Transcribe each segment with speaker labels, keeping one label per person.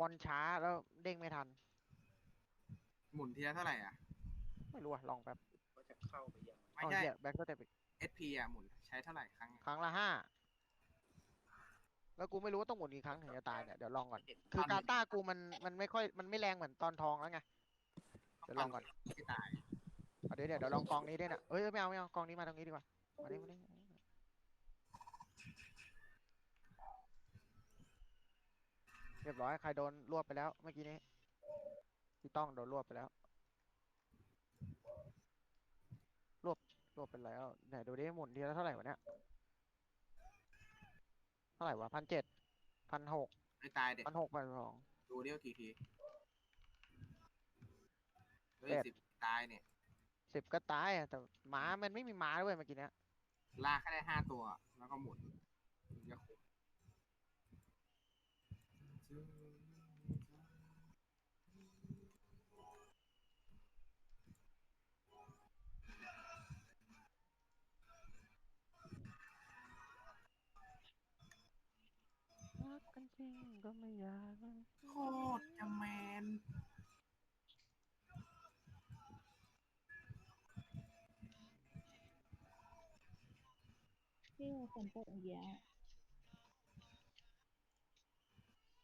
Speaker 1: อนช้าแล้วเด้งไม่ทัน
Speaker 2: หมุนทีละเท่าไหร่อ่ะ
Speaker 1: ไม่รู้อะลองแป๊บ
Speaker 3: ว่าจะเข้าไปยังไง
Speaker 2: ไม่ใช่
Speaker 1: อ๋อเหี้ยแบ็คก็เต็ปอีก
Speaker 2: SP อ่ะหมุนใช้เท่าไหร่ครั้งอะ
Speaker 1: ครั้งละ5แล้วกูไม่รู้ว่าต้องหมุนกี่ครั้งถึงจะตายเนี่ยเดี๋ยวลองก่อน
Speaker 3: ไม่เห็น
Speaker 1: คือกาตากูมันไม่ค่อยมันไม่แรงเหมือนตอนทองแล้วไงเดี๋ยวล
Speaker 2: ปั่น
Speaker 1: องก่อน
Speaker 2: ไม่ตาย
Speaker 1: เอาเดี๋ยวลองกองนี้ด้วยนะเอ้ยไม่เอากองนี้มาตรงนี้ดีกว่ามาดิเรียบร้อยใครโดนรวบไปแล้วเมื่อกี้นี้พี่ต้องโดนรวบไปแล้วรวบรวบไปแล้วไหนดูดิหมุนทีละเท่าไหร่วะเนี่ยเท่าไหร่วะ1,7001,600
Speaker 2: ไม่ตายเด็ก
Speaker 1: 1,600 1,200
Speaker 2: ดูเดียวกี่ทีเฮ้ย
Speaker 1: เจ็ด
Speaker 2: สิบตายเนี่ย
Speaker 1: 10ก็ตายอะแต่หมามันไม่มีหมาด้วยเมื่อกี้เนี้ย
Speaker 2: ลากแค่ได้5 ตัวแล้วก็หมุนถึงจะคุ้ม
Speaker 1: รักกันจริงก็ไม่อยาก
Speaker 2: โคตรจะแมน
Speaker 4: ที่ฝนตกเยอะ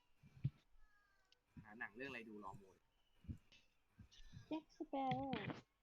Speaker 2: หาหนังเรื่องอะไรดูรอโมย
Speaker 4: แจ็คสเปโร่